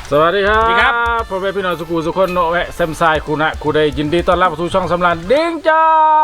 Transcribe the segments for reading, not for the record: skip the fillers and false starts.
สวัสดีครับพ่อแม่พี่น้องสุขุสุคนโนแวะแซมไซคุณะคุณได้ยินดีต้อนรับสู่ช่องสำรานดิ้งจ้า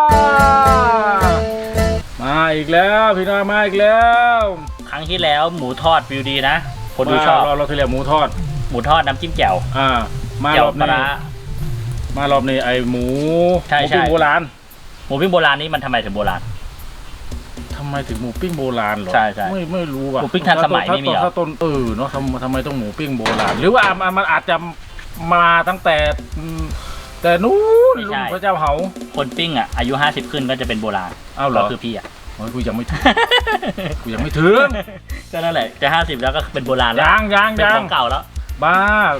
มาอีกแล้วพี่น้องมาอีกแล้วครั้งที่แล้วหมูทอดวิวดีนะคนดูชอบเราที่แล้วหมูทอดน้ำจิ้มแจ่วมารอบนี้ไอหมูปิ้งโบราณหมูปิ้งโบราณนี่มันทำไมถึงโบราณทำไมถึงหมูปิ้งโบราณหรอใช่ไม่รู้ว่ะหมูปิ้งทันสมัยไม่มีหรอถ้าต้นเนาะทำไมต้องหมูปิ้งโบราณหรือว่ามันอาจจะมาตั้งแต่นู้นลุงพระเจ้าเหาคนปิ้งอ่ะอายุ50ขึ้นก็จะเป็นโบราณเหรอคือพี่อ่ะกูยังไม่ถึงก็นั่นแหละจะ50แล้วก็เป็นโบราณแล้วยังเป็นของเก่าแล้วบ้า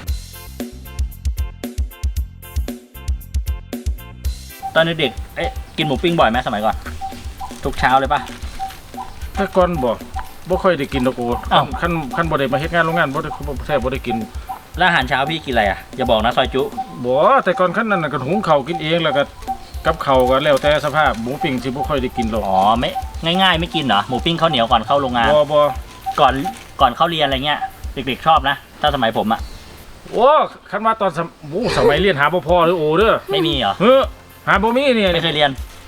ตอนเด็กกินหมูปิ้งบ่อยไหมสมัยก่อนทุกเช้าเลยป่ะถ้าก่อนบ่ค่อยได้กินตะกูขั้นบ่ได้มาเฮ็ดงานโรงงานบ่ได้กินแล้วอาหารเช้าพี่กินอะไรอ่ะอย่าบอกนะซอยจุบ่แต่ก่อนขั้นนั้นก็หุงข้าวกินเองแล้วก็กับข้าวก็แล้วแต่สภาพหมูปิ้งสิบ่ค่อยได้กินหรอกไม่ง่ายไม่กินเหรอหมูปิ้งข้าวเหนียวก่อนเข้าโรงงานบ่ก่อนเข้าเรียนอะไรเงี้ยเด็กๆชอบนะถ้าสมัยผมอ่ะโอ้คันว่าตอนสมัยเรียนหาบ่พอหรือโอเด้อไม่มีเหรอหาบ่มีเนี่ยไม่เคยเรียน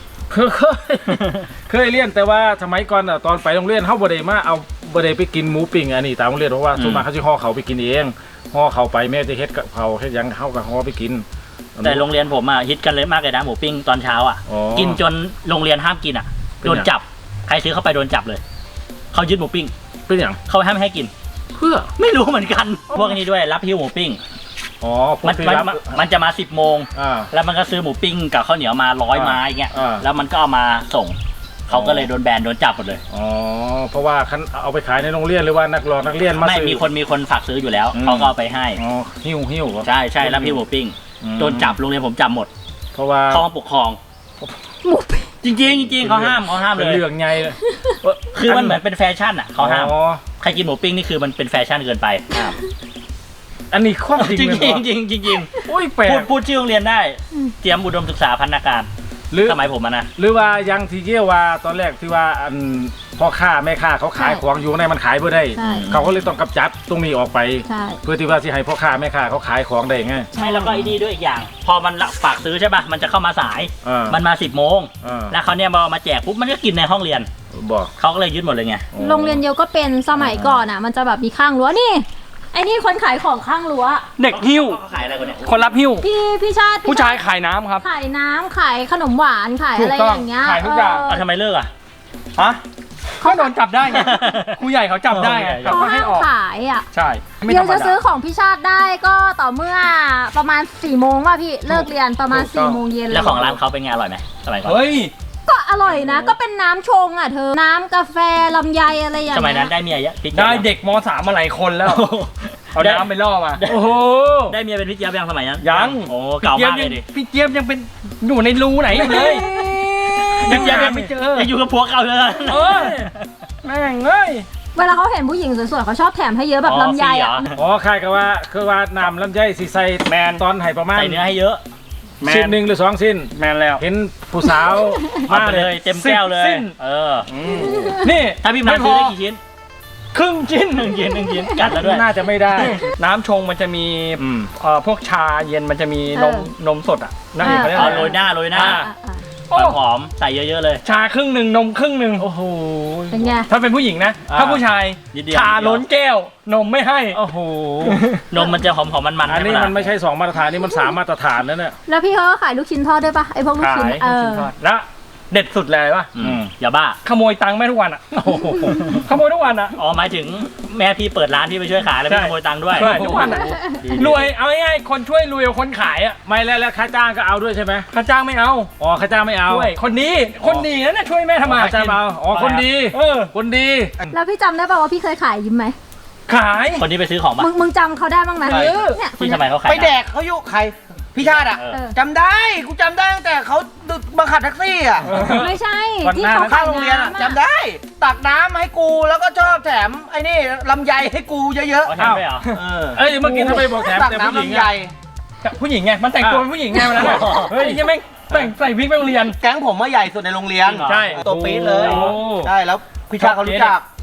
เคยเรียนแต่ว่าสมัยก่อนตอนไปโรงเรียนเฮาบ่ได้ไปกินหมูปิ้งอันนี้ตามโรงเรียนเพราะว่าส่วนมากเขาสิห่อเขาไปกินเองห่อเขาไปแม่จะเฮ็ดกับเขาเฮ็ดหยังเฮาก็ห่อไปกินแต่โรงเรียนผมฮิตกันเลยมากเลยนะหมูปิ้งตอนเช้ากินจนโรงเรียนห้ามกินโดนจับใครซื้อเข้าไปโดนจับเลยเขายึดหมูปิ้งเป็นอย่างเขาห้ามให้กินเพื่อไม่รู้เหมือนกันพวกนี้ด้วยรับหิ้วหมูปิ้งมันจะมา10 โมงแล้วมันก็ซื้อหมูปิ้งกับข้าวเหนียวมา100 ไม้เงี้ยแล้วมันก็เอามาส่งเขาก็เลยโดนแบนโดนจับหมดเลยเพราะว่าเอาไปขายในโรงเรียนหรือว่านักเรียนมาไม่มีคนฝากซื้ออยู่แล้วเขาก็เอาไปให้หิ้วใช่รับหิ้วหมูปิ้งโดนจับโรงเรียนผมจับหมดเพราะว่าเขาปกครองจริงเขาห้ามเลยเรื่องไงคือมันเหมือนเป็นแฟชั่นเขาห้ามใครกินหมูปิ้งนี่คือมันเป็นแฟชั่นเกินไปอันนี้ข้อจริงจริงโอ้ยแปลกพูดชื่อโรงเรียนได้เตรียมอุดมศึกษาพัฒนาการสมัยผมนะหรือว่ายังที่เกี่ยวว่าตอนแรกที่ว่าพ่อค้าแม่ค้าเขาขายของอยู่ในมันขายไม่ได้เขาก็เลยต้องกำจัดตรงนี้ออกไปเพื่อที่ว่าที่ให้พ่อค้าแม่ค้าเขาขายของได้ไงใช่แล้วก็ไอ้นี่ด้วยอีกอย่างพอมันฝากซื้อใช่ป่ะมันจะเข้ามาสายมันมา10 โมงแล้วเขาเนี่ยมาแจกปุ๊บมันก็กินในห้องเรียนบอกเขาก็เลยยึดหมดเลยไงโรงเรียนเดียวก็เป็นสมัยก่อนมันจะแบบมีข้างรั้วนี่ไอ้นี่คนขายของข้างรั้วเด็กหิ้วขายอะไรคนเนี่ยคนรับหิ้วพี่ชาติผู้ชายขายน้ำครับขายน้ำขายขนมหวานขายอะไรอย่างเงี้ยขายทุกอย่างทำไมเลิกเขาโดนจับได้ไงครูใหญ่เขาจับได้เขาห้ามขายใช่เดี๋ยวจะซื้อของพี่ชาติได้ก็ต่อเมื่อประมาณ4 โมงป่ะพี่เลิกเรียนประมาณ4 โมงเย็นแล้วของร้านเขาเป็นไงอร่อยไหมสมัยก่อนก็อร่อยนะก็เป็นน้ำชงเธอน้ำกาแฟลำไยอะไรอย่างเงี้ยสมัยนั้นได้เมียเยอะได้เด็กม.3 มาหลายคนแล้วเอาน้ำไปล่อมาโอ้โหได้เมียเป็นพี่เจี๊ยบยังสมัยนั้นยังโอ้เก่ามากเลยดิพี่เจี๊ยบยังเป็นอยู่ในรูไหนอยู่เลยพี่เจี๊ยบยังไม่เจอยังอยู่กับผัวเก่าเลยแม่งเอ้ยเวลาเขาเห็นผู้หญิงสวยๆเขาชอบแถมให้เยอะแบบลำไยใครก็ว่าคือว่าน้ำลำไยสีใส่แมนตอนให้ประมาณใส่เนื้อให้เยอะชิ้น1 หรือ 2 ชิ้นแมนแล้วเห็นผู้สาวมาเลยเต็มแก้วเลยนี่ถ้าพี่มาซื้อได้กี่ชิ้นครึ่งชิ้น 1 ชิ้นกัดแล้วด้วยน่าจะไม่ได้น้ำชงมันจะมีพวกชาเย็นมันจะมีนมสดนั่นเองเขาเรียกโรยหน้าหอมใส่เยอะๆเลยชาครึ่ง 1นมครึ่ง 1 โอ้โหเป็นไงถ้าเป็นผู้หญิงนะถ้าผู้ชายชาล้นแก้วนมไม่ให้โอ้โหนมมันจะหอมๆมันอันนี้มันไม่ใช่2 มาตรฐานนี่มัน3 มาตรฐานนั่นเนี่ยแล้วพี่เขาขายลูกชิ้นทอดด้วยปะไอพวกลูกชิ้นทอดแล้วเด็ดสุดเลยป่ะอย่าบ้าขโมยตังค์แม่ทุกวันขโมยทุกวันหมายถึงแม่พี่เปิดร้านพี่ไปช่วยขายแล้วพี่ขโมยตังค์ด้วยทุกวันรวยเอาง่ายๆคนช่วยรวยคนขายไม่แล้วค่าจ้างก็เอาด้วยใช่ไหมค่าจ้างไม่เอาค่าจ้างไม่เอาคนดีนั่นน่ะช่วยแม่ทำมาค่าจ้างเอาคนดีคนดีแล้วพี่จำได้ป่ะว่าพี่เคยขายยิ้มไหมขายคนที่ไปซื้อของป่ะมึงจำเขาได้บ้างไหมที่ทำไมเขาขายไปแดกเขายุใครพี่ชาติจำได้กูจำได้ตั้งแต่เขาบังคับแท็กซี่ไม่ใช่ที่เขาเข้าโรงเรียนจำได้ตักน้ำให้กูแล้วก็ชอบแถมไอ้นี่ลำไยให้กูเยอะๆแถมไปเหรอเมื่อกี้ทำไมบอกแถมตักน้ำลำไยผู้หญิงไงมันแต่งตัวเป็นผู้หญิงไงมันแล้วเฮ้ยยังไม่แต่งใส่วิกไปโรงเรียนแก๊งผมว่าใหญ่สุดในโรงเรียนใช่ตัวปี๊ดเลยใช่แล้วพี่ชาติเขารู้จัก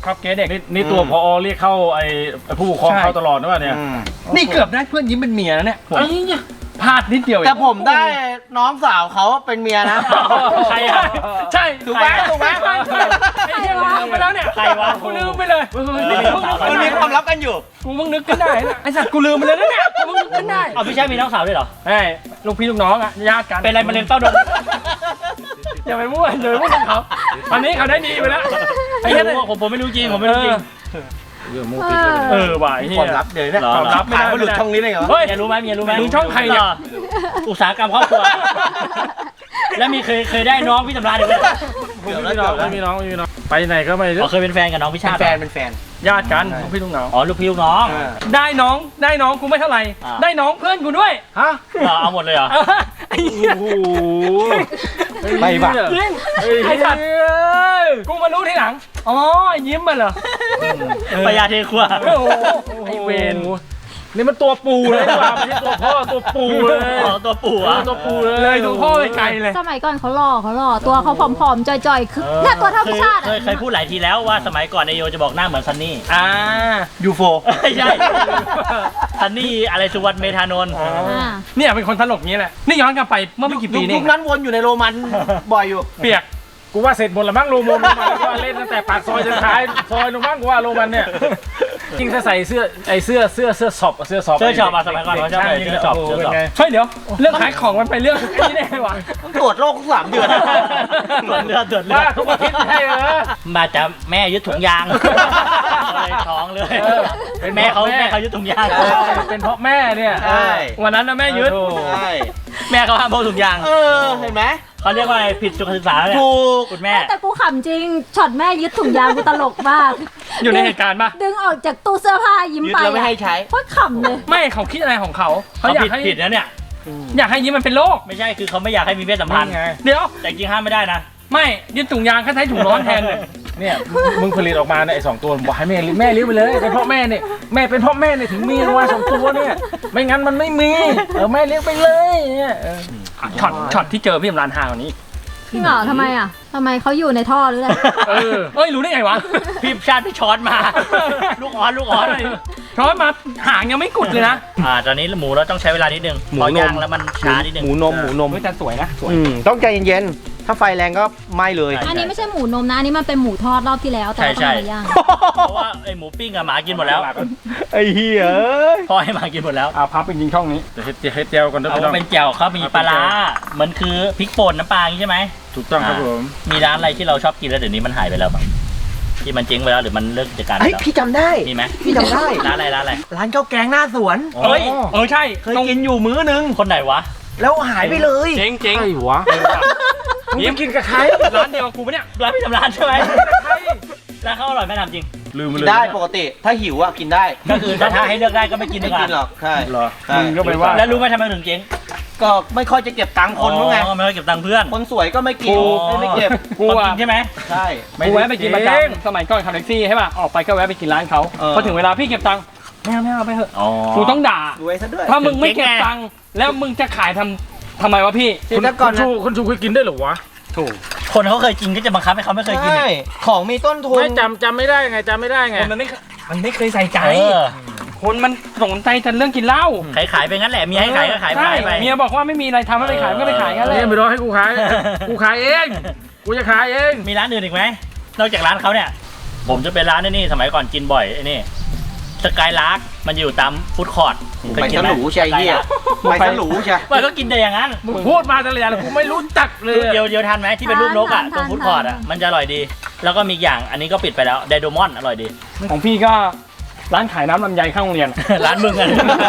ชอบเกสเด็กนี่ตัวพอเรียกเข้าไอ้ผู้ปกครองเข้าตลอดนะว่าเนี่ยนี่เกือบได้เพื่อนยิ้มเป็นเมียแล้วเนี่ยพลาดนิดเดียวเองแต่ผมได้น้องสาวเขาเป็นเมียนะใครอ่ะใช่ถูกไหมถูกไหมไอ้เหี้ยลืมไปแล้วเนี่ยใครวะกูลืมไปเลยมันมีความลับกันอยู่กูเพิ่งนึกขึ้นได้นะไอ้สัตว์กูลืมไปเลยนะเนี่ยกูเพิ่งนึกขึ้นได้เอาพี่ชายมีน้องสาวด้วยเหรอเฮ้ยลูกพี่ลูกน้องอ่ะญาติกันเป็นอะไรมะเร็งเต้านมอย่าไปมั่วอย่าไปมั่วกับเขาตอนนี้เขาได้ดีไปแล้วไอ้เหี้ยผมไม่รู้จริงผมไม่รู้จริงเรื่องมูปิดเลยว่ะไอ้เหี้ควาย มลับเดี๋ยวเนี่ยเหรอความลับไม่ได้มาหลุดช่องนี้เลยเหรอเฮ้ยเมียรู้ไหมมึงช่องใครเนี่ยอุตสาหกรรมครอบครัว แล้วมีเคยได้น้องพี่สำราญด้วยไม่มีน้องไปไหนก็ไม่รู้เคยเป็นแฟนกับน้องพี่ชาติเป็นแฟนญาติกันลูกพี่ลูกน้องอ๋อลูกพี่ลูกน้องได้น้องกูไม่เท่าไหร่อ่าได้น้องเพื่อนกูด้วยฮะเอาหมดเลยเหรอไอ้เหี้ยโอ้โหไปว่ะจริงไอ้สัตว์กูมารู้ทีหลังอ๋อไอ้ยิ้มมันเหรอปยาเทครัวโอ้โหไอ้เวนนี่มันตัวปูเลยดีกว่าไม่ใช่ตัวพ่อตัวปูเลยอ๋อตัวปู่อ่ะตัวปูเลยเลยดูพ่อไปไกลเลยสมัยก่อนเขาหล่อตัวเขาผอมๆจ่อยๆคือเนี่ยตัวเท่าพี่ชาติเคยพูดหลายทีแล้วว่าสมัยก่อนนายโยจะบอกหน้าเหมือนซันนี่ยูโฟไม่ใช่ ซันนี่อะไรสุวรรณเมธานนท์เนี่ยเป็นคนตลกนี้แหละนี่ย้อนกลับไปเมื่อไม่กี่ปีนี่ยุคนั้นวนอยู่ในโรมันบ่อยอยู่เปียกกูว่าเสร็จหมดละมั้งโรมันกูว่าเล่นตั้งแต่ปากซอยจนท้ายซอยลงมั้งกูว่าโรมันเนี่ยจริงถ้าใส่เสื้อสอบเสื้อช็อปอะสมัยก่อนเขาชอบใส่เสื้อช็อปเฮ้ยเดี๋ยวเรื่องขายของมันไปเรื่องไอ้นี่ได้ไงวะต้องตรวจโรคทุก3 เดือนตรวจเลือดว่าทุกอาทิตย์ให้เหรอมาจากแม่ยึดถุงยางเลยท้องเลยแม่เขายึดถุงยางเป็นเพราะแม่เนี่ยใช่วันนั้นนะแม่ยึดใช่แม่เขาห้ามพกถุงยางเห็นไหมเขาเรียกว่าอะไรผิดสุขศึกษาเนี่ยถูกคุณแม่แต่กูขำจริงช็อตแม่ยึดถุงยางกูตลกมากอยู่ในเหตุการณ์ปะดึงออกจากตู้เสื้อผ้ายิ้มยึดไปแล้วไม่ให้ใช้โคตรขำเลยไม่เขาคิดอะไรของเขาเขาอยากให้ผิดนะเนี่ยอยากให้ยิ้มมันเป็นโรคไม่ใช่คือเขาไม่อยากให้มีเพศสัมพันธ์ไงเดี๋ยวแต่จริงห้ามไม่ได้นะไม่ยึดถุงยางแค่ใช้ถุงร้อนแทนเลยเนี่ยมึงผลิตออกมาเนี่ยไอ้2 ตัวบอกให้แม่เลี้ยงไปเลยเป็นเพราะแม่เนี่ยแม่เป็นเพราะแม่เนี่ยถึงมีออกมา2 ตัวเนี่ยไม่งั้นมันไม่มีแม่เลี้ยงไปเลยเนี่ยช็อตที่เจอพี่สำรานหากว่านี้จริงเหรอทำไมเขาอยู่ในท่อหรืออะไรเอ้ยรู้ได้ไงวะพี่ชาติพี่ช้อนมา ลูกออสช้อนมาหางยังไม่กุดเลยนะตอนนี้หมูเราต้องใช้เวลานิดนึงพอย่างแล้วมันช้านิดนึงหมูนมเฮ้ยแต่สวยนะสวยต้องใจเย็นๆ ถ้าไฟแรงก็ไหม้เลยอันนี้ไม่ใช่หมูนมนะอันนี้มันเป็นหมูทอดรอบที่แล้วแต่ว่าต้องมาย่างเพราะว่าไอหมูปิ้งอะหมากินหมดแล้วไอ้เหี้ยพ่อให้หมากินหมดแล้วพับเป็นยิงช่องนี้จะเฮ็ดเจียวก่อนเด้อเอาพี่น้องเป็นแจ่วเขามีปลาร้ามันคือพริกป่นน้ำปลาอย่างนี้ใช่ไหมถูกต้องครับผมมีร้านอะไรที่เราชอบกินแล้วเดี๋ยวนี้มันหายไปแล้วบ้างที่มันเจ๊งไปแล้วหรือมันเลิกกิจการไปเฮ้ยแล้วพี่จำได้มีไหมพี่จำได้ร้านอะไรร้านข้าวแกงหน้าสวนเฮ้ยใช่เคยกินอยู่มื้อนึงคนไหนวะแล้วหายไปเลยเจ๊งไอ้วะมึงไปกินกับใครร้านเดียวกับกูปะเนี่ยร้านพี่ทำร้านใช่ไหมร้านเขาอร่อยไหมทำจริงลืมไปกิเลนยได้ปกติ ถ้าหิวอ่ะกินได้ก็คือถ้าให้เลือกได้ก็ไม่กินดีไม่กว่ากินหรอก ใช่เหรอใช่มึงก็ไปว่าแล้วรู้ไหมทำไมถึงเจ๊งก็ไม่ค่อยจะเก็บตังค์คนรู้ไงอ๋อไม่ค่อยเก็บตังค์เพื่อนคนสวยก็ไม่กินไม่เก็บกูคนอะกินใช่ไหมใช่กูแวะไปกินประจำสมัยก่อนขับแท็กซี่ใช่ป่ะออกไปก็แวะไปกินร้านเขาพอถึงเวลาพี่เก็บตังค์ไม่เอาไปเถอะอ๋อกูต้องด่ารวยซะด้วยถ้ามึงไม่เก็บตังค์แล้วมึงจะขายทำไมวะพี่ทีละก่อนนะคนชูเคยกินได้เหรอวะถูกคนเขาเคยกินก็จะบังคับให้เขาไม่เคยกินใช่ ของมีต้นทุนไม่จำไม่ได้ไงคนมันไม่เคยใส่ใจเออคนมันสนใจแต่เรื่องกินเหล้าขายไปงั้นแหละเมียให้ขายก็ขายไปใช่เมียบอกว่าไม่มีอะไรทำไม่ไปขายก็ไปขายกันเลยเนี่ยไม่รอให้กูขาย กูขายเอง กูจะขายเองมีร้านอื่นอีกไหมนอกจากร้านเขาเนี่ย ผมจะเป็นร้านนี่สมัยก่อนกินบ่อยไอ้นี่สกายลาร์กมันอยู่ตามฟู้ดคอร์ทไปฉลูใช่เหี้ยไปฉลูใช่มันก็กินแต่อย่างนั้นมึงพูดมาแต่ละอย่างกูไม่รู้จักเลยเดียวทันไหมที่เป็นรูปนกอ่ะตรงฟู้ดคอร์ทอ่ะมันจะอร่อยดี แล้วก็มีอย่างอันนี้ก็ปิดไปแล้วไดโดมอนอร่อยดีของพี่ก็ร้านขายน้ำลำไยข้างโรงเรียนร้านมึงอ่ะ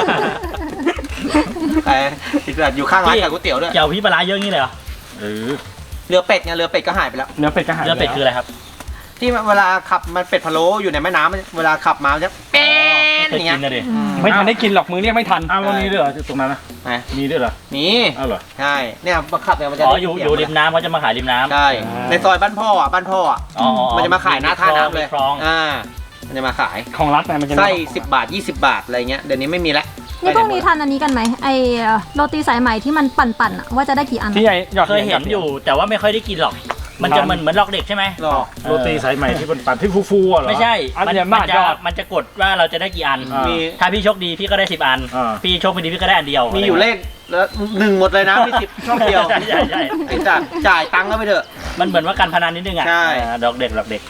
แต่อีกแบบอยู่ข้างร้านขายก๋วยเตี๋ยวด้วยเจียวพี่ปลาร้าเยอะงี้เลยเหรอเรือเป็ดไงเรือเป็ดก็หายไปแล้วเนื้อเป็ดก็หายเนื้อเป็ดคืออะไรครับที่เวลาขับมันเป็ดพะโล้อยู่ในแม่น้ำเวลาขับมาจะเป็นเคยอย่างเงี้กิยนนะดิไม่ทันได้กินหรอกมือเรียกไม่ทันอ้าวมันมีด้วยเหรอตรงนั้นนะไหนมีด้วยเหรอมีอ้าวเหรอใช่เนี่ยมาขับเนี่ยมันจะอ๋อได้อยู่ริมน้ำเขาจะมาขายริมน้ำใช่ในซอยบ้านพ่ออ่ะมันจะมาขายหน้าท่าน้ำเลยคลองมันจะมาขายของรัฐเนี่ยมันจะไส้10 บาท 20 บาทอะไรเงี้ยเดี๋ยวนี้ไม่มีแล้วนี่พวกนี้ทานอันนี้กันไหมไอโรตีสายไหมที่มันปั่นๆอะว่าจะได้กี่อันที่ใหญ่หยอดเคยเห็นอยู่แต่ว่าไม่ค่อยได้กินหรอกมันจะเหมือนหลอกเด็กใช่ไหมหรอโรตีสายใหม่ที่ปั่นที่ฟูๆอ่ะเหรอไม่ใช่อันมันเดียวบาทยอดมันจะกดว่าเราจะได้กี่อันอ่ามีถ้าพี่โชคดีพี่ก็ได้10 อันอ่าพี่โชคไม่ดีพี่ก็ได้อันเดียวมีอยู่เลขแล้ว1หมดเลยนะมี10ช่องเดียวใช่ใช่ไอ้จัดจ่ายตังค์ก็ไปเถอะมันเหมือนว่าการพนันนิดนึงอ่ะใช่ดอกเด็กหลอกเด็ก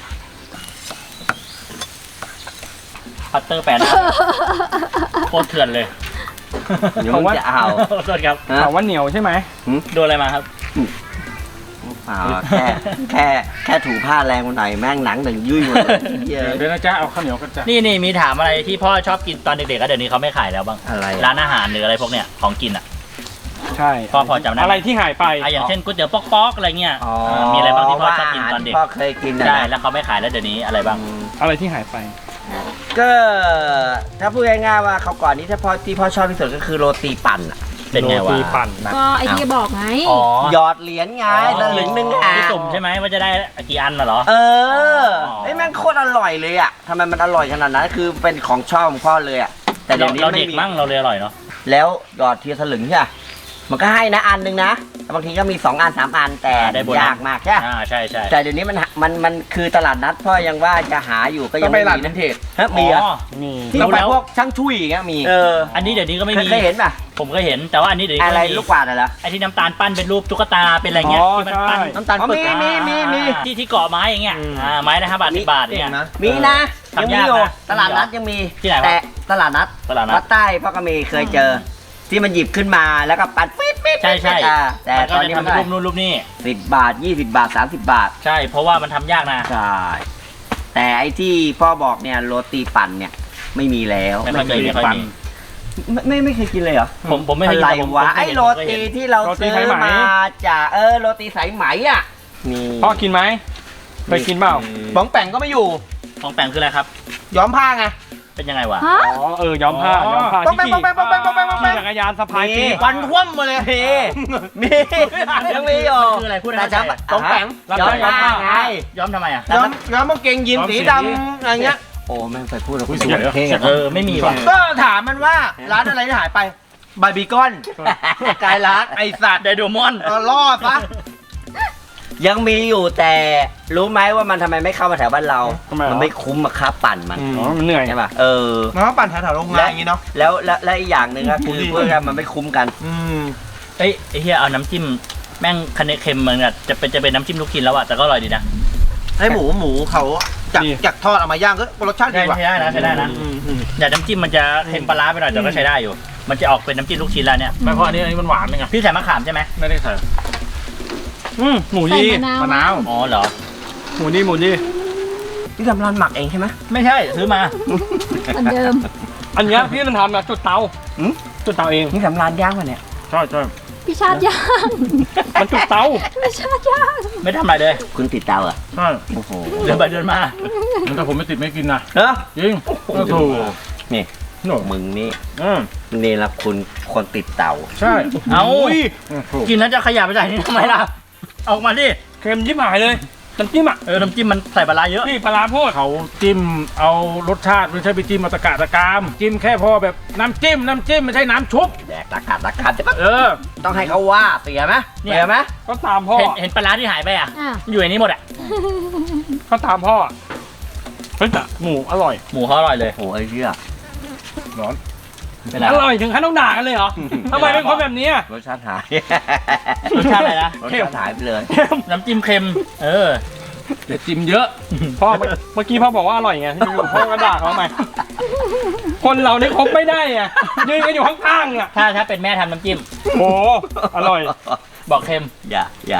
พัตเตอร์แปนโคตรเถื่อนเลยเดี๋ยวมึงจะเอาขอโทษครับฮะถามว่าเหนียวใช่ไหมโดนอะไรมาครับเปล่าแค่ถูผ้าแรงมันหน่อยแม่งหนังหนึ่งยุ่ยหมดเลยเหี้ยเดี๋ยวนะจ๊ะเอาข้าวเหนียวกันจ้ะนี่มีถามอะไรที่พ่อชอบกินตอนเด็กๆก็เดี๋ยวนี้เขาไม่ขายแล้วบ้างอะไรร้านอาหารหรืออะไรพวกเนี้ยของกินอ่ะใช่พ่อพอจำได้ไหมอะไรที่หายไปอย่างเช่นก๋วยเตี๋ยวป๊อกๆอะไรเงี้ยมีอะไรบ้างที่พ่อชอบกินตอนเด็กพ่อเคยกินนะใช่แล้วเขาไม่ขายแล้วเดี๋ยวนี้อะไรบ้างอะไรที่หายไปก็ถ้าพูดง่ายๆว่าเขาวก่อนนี้ถ้าพ่อที่พ่อชอบที่สุดก็คือโรตีปั่นอะเป็นไงโรวะตีปั่นนะก็ไอที่บอกไงอ๋อหยอดเหรียญไงตะลึงหนึงอ่ะพี่สุ่มใช่ไหมว่าจะได้กี่อันน่ะเหรอเออไอ้ยแม่งโคตรอร่อยเลยอ่ะทำไมมันอร่อยขนาดนั้นคือเป็นของชอบของพ่อเลยอ่ะแต่เดี๋ยวนี้เราไม่เด็กมีมั่งเราเลยอร่อยเนาะแล้วหยอดทีละสลึงใช่ปะมันก็ให้นะอันหนึงนะแต่บางทีก็มี2 อัน 3 อันแต่ได้โบนัสยากมากใช่ปะใช่ใช่แต่เดี๋ยวนี้มันคือตลาดนัดพ่อยังว่าจะหาอยู่ก็ก็ยังไปไม่หลังมีนันะนเทศฮะมีอ่ะมีที่ไปพวกช่างชุยอย่างเงี้ยมีอันนี้เดี๋ยวนี้ก็ไม่มีเคยเห็นป่ะผมก็เห็นแต่ว่าอันนี้เดี๋ยวนี้อะไรก็ม่มีลูกกวาดอะไรเหรอไอ้ที่น้ำตาลปั้นเป็นรูปตุ๊กตาเป็นอะไรเงี้ยที่มันปั้นน้ำตาลปึกมีที่เกาะไม้อย่างเงี้ยไม้ละ5 บาท 10 บาทอย่างเงี้ยมีนะยังมีอยู่ทำยากนะตลาดนัดยังมีที่ไหนวะแต่ตลาดนัดตลาดนัดวัดใต้พ่อก็มีเคยเจอ ที่มันหยิบขึ้นมาแล้วก็ปัดฟิตใช่ใช่แต่มันตก็อนจะนี้ทำมันเป็นได้รูปนู่นรูปนี่ 10 บาท 20 บาท 30 บาทใช่เพราะว่ามันทำยากนะใช่แต่ไอ้ที่พ่อบอกเนี่ยโรตีปั่นเนี่ยไม่มีแล้วไม่ค่อยมีไม่ค่อยมีไม่เคยกินเลยเหรอผมไม่เคยอะไรผมวะผมไอ้โรตีที่เราโรตีซื้อสายไหมมาจากโรตีสายไหมอ่ะนี่พ่อกินไหมเคยกินเปล่าบ้องแป่งก็ไม่อยู่ของแปลงคืออะไรครับย้อมผ้าไงเป็นยังไงวะฮะอ๋อย้อมผ้าย้อมผ้าต้องไปที่ขี่ต้องไปขี่จักรยานสะพายปีกวันคว่ำมาเลยมียังมีอยู่คืออะไรพูดให้แต่เข้าใจต้องแป่งรับย้อได้มย้อมผ้าผ้าไงย้อมทำไมอ่ะย้อมกางเกงยีนสีดำอะไรเงี้ยโอ้แม่งไปพูดแล้วคุยสวยเท่ไม่มีว่ะก็ถามมันว่าร้านอะไรที่หายไปบาร์บีคอนกายรักไอสัตว์ไดโดมอนล่อซะยังมีอยู่แต่รู้ไหมว่ามันทำไมไม่เข้ามาแถวบ้านเราทำไมเหรอมันไม่คุ้มอะค่าปั่นมันอ๋อมันเหนื่อยใช่ป่ะมันก็ปั่นแถวๆโรงงานอย่างงี้เนาะแล้วอีกอย่างหนึ่งก็คือเพื่อมันไม่คุ้มกันเอ้ยไอ้เฮียเอาน้ำจิ้มแม่งคะแนนเค็มเหมือนกันจะเป็นน้ำจิ้มลูกชิ้นแล้วอะแต่ก็อร่อยดีนะให้หมูเขาจากทอดเอามาย่างก็รสชาติดีใช่ว่ะได้นะใช้ได้นะแต่น้ำจิ้มมันจะเค็มปลาร้าไปหน่อยแต่ก็ใช้ได้อยู่ มันจะออกเป็นน้ำจิ้มลูกชิ้นแล้วเนี่ยไม่เพราะอันนี้มันหวานไงพี่ใส่มะขามใช่ไหมไม่ได้ใส่หมูใส่ดีมะนาวอ๋อเหรอหมูดีหมูดีที่ทำร้านหมักเองใช่ไหมไม่ใช่ซื้อมาเหมือนเดิมอันเนี้ยพี่มันทำแบบจุดเตาจุดเตาเองนี่ทำร้านย่างมาเนี่ยใช่ใช่พี่ชาติย่างมันจุดเตาพี่ชาติย่างไม่ทำอะไรเลยคุณติดเตาเหรอ่ะใช่โอ้โหเดินไปเดินมามันถ้าผมไม่ติดไม่กินนะเนอะจริงโอ้โหนี่โน่มึงนี่อืมนี่ละคุณคนติดเตาใช่เอาโอ้โหกินแล้วจะขยับไปใส่นี่ทำไมล่ะออกมาดิเค็มยิบหายเลยน้ำจิ้มอ่ะน้ำจิ้มมันใส่ปลาร้าเยอะนี่ปลาร้าโพดเขาจิ้มเอารสชาติไม่ใช่ไปจิ้มมาตะกะตะกามจิ้มแค่พอแบบน้ำจิ้มไม่ใช่น้ำชุบแดกตะกัดจะปะเออต้องให้เขาว่าเสียไหมเนี่ยเสียไหมก็ตามพ่อเห็นปลาร้าที่หายไปอ่ะอ่ะอยู่ในนี้หมดอ่ะก็ตามพ่อเฮ้ยแต่หมูอร่อยหมูเขาอร่อยเลยโอ้ไอ้เชี่ยร้อนเป็นไรอร่อยถึงขั้นต้องด่ากันเลยเหรอทำไมเป็นคนแบบนี้อะรสชาติหายรสชาติอะไรนะรสชาติหายไปเลยน้ำจิ้มเค็มอย่าจิ้มเยอะพ่อเมื่อกี้พ่อบอกว่าอร่อยไงอยู่พ่อก็ด่าเขาทำไมคนเราเนี่ยคบไม่ได้อะยืนกันอยู่ข้างๆอ่ะถ้าเป็นแม่ทำน้ำจิ้มโอ้อร่อยบอกเค็มอย่าอย่า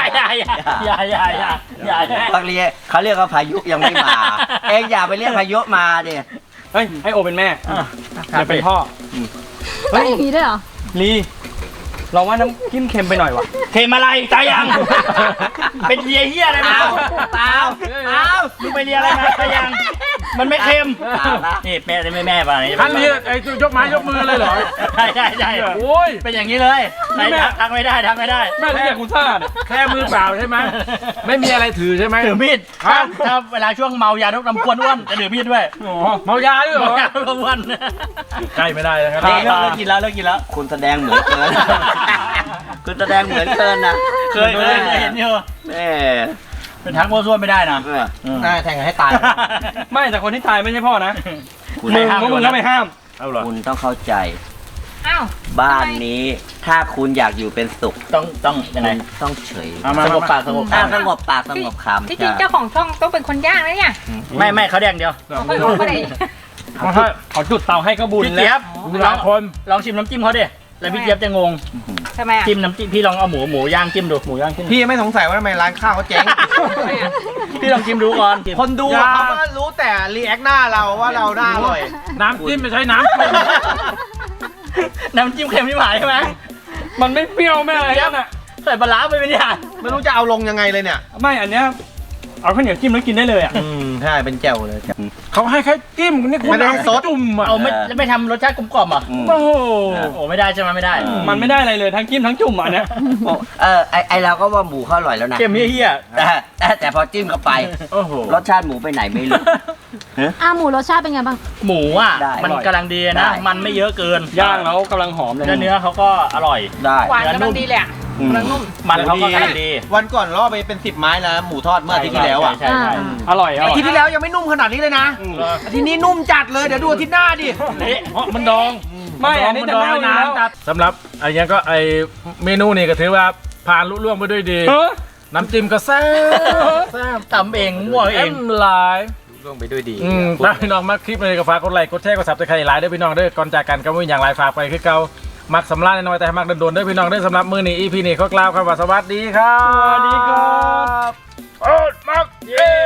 เขาเรียกว่าพายุยังไม่มา เองอย่าไปเรียกพายุมาดิเฮ้ยให้โอเป็นแม่จะเป็นพ่อต้องอย่างนี้ด้วยเหรอลีเราว่าน้ำจิ้มเค็มไปหน่อยวะเค็มอะไรตายยัง เป็นเลียเฮียอะไรมาเปล่ามึงไปเลียอะไรมาตายยัง มันไม่เค็ม นี่แม่ป่ะนี่ท่านนี้ไอ้ยกไม้ยกมือเลยเหรอใช่โอ้ยเป็นอย่างนี้เลยทักไม่ได้แม่เรียกคุณซ่าเนี่ยแค่มือเปล่าใช่ไหมไม่มีอะไรถือใช่ไหมถือมีดถ้าเวลาช่วงเมายาทุกน้ำควนอ้วนจะถือมีดด้วยอ๋อเมายาด้วยเหรเมาอยาทุกอ้วนใกล้ไม่ได้นะครับเลิกกินแล้วคุณแสดงเหมือนเกินคุณแสดงเหมือนเกินนะเคยเห็นอยู่แม่เป็นทักโมวซั่วไม่ได้นะน่าแทงกันให้ตายไม่แต่คนที่ตายไม่ใช่พ่อนะคุณมึงก็มึงก็ไม่ห้ามเอาเหรอคุณต้องเข้าใจอ้าวบ้านนี้ถ้าคุณอยากอยู่เป็นสุขต้องยังไงคุณต้องเฉยเอามาสงบปากสงบถ้าคำสงบปากสงบคำที่จริงเจ้าของช่องต้องเป็นคนย่างนะเนี่ยไม่เขาแดงเดียวเขาไม่รู้ก็ได้เขาจุดเตาให้ก็บุญพี่แล้เจี๊ยว บหลายคนลองชิมน้ำจิ้มเขาดิแล้วพี่เจี๊ยบจะงงทำไมอ่ะจิ้มน้ำจิ้มพี่ลองเอาหมูย่างจิ้มดูหมูย่างจิ้มพี่ไม่สงสัยว่าทำไมร้านข้าวเขาเจ๊งพี่ลองจิ้มดูก่อนคนดูอะเขาก็รู้แต่รีแอคหน้าเราว่าเราหน้าอร่อยน้ำจิ้มไม่ใช่น้ำจิ้มน้ำจิ้มเค็มที่หมายใช่ไหมมันไม่เปรี้ยวไม่อะไรนั่นอ่ะใส่ปลาร้าไปเป็นอย่างไม่รู้จะเอาลงยังไงเลยเนี่ยไม่อันเนี้ยเอาข้าวเหนียวจิ้มแล้วกินได้เลยอ่ะใช่เป็นแจ่วเลยเขาให้แค่จิ้มนี่คุณไม่ได้ซดจุ่มอ่ะเอาไม่ทำรสชาติกลมกล่อมอ่ะโอ้โหโอ้ไม่ได้ใช่ไหมไม่ได้มันไม่ได้อะไรเลยทั้งจิ้มทั้งจุ่มอ่ะเนี่ยไอเราก็ว่าหมูเขาอร่อยแล้วนะเค็มเฮี้ยแต่พอจิ้มเข้าไปโอ้โหรสชาติหมูไปไหนไม่รู้หมูรสชาติเป็นไงบ้างหมูอ่ะได้มันกำลังดีได้นะ มันไม่เยอะเกินย่างแล้วกำลังหอมเลยเนื้อเขาก็อร่อยได้หวานกำลังดีเลยอ่ะกำลังนุ่มมันเขาก็กำลังดีวันก่อนล่อไปเป็น10 ไม้แล้วหมูทอดเมื่ออาทิตย์ที่แล้วอ่ะใช่ใช่อร่อยอร่อาอยทิตย์ที่แล้วยังไม่นุ่มขนาดนี้เลยนะอาทิตย์นี้นุ่มจัดเลยเดี๋ยวดูอาทิตย์หน้าดิเพราะมันดองไม่อันนี้จะเน่าอยู่แล้วสำหรับไอ้ยังก็ไอ้เมนูนี่ก็ถือว่าผ่านลุล่วงไปด้วยดีเออน้ำจิ้มก็แซ่บแซ่บทำเองมั่วเอเอ็งมหลายล่วงไปด้วยดีถ้าพี่น้องมักคลิปเลยก็ฝากกดไลค์กดแชร์กดซับสไครต์หลายเด้อพี่น้องเด้อก่อนจากกันก็ไม่มีอย่างไรฝากไปคือเก่ามักสำลักน้อยแต่มักโดนๆเด้อพี่น้องเด้อสำหรับมื้อนี้ EP นี้ขอกล่าวคำว่าสวัสดีครับสวัสดีครับโอ้มักเย้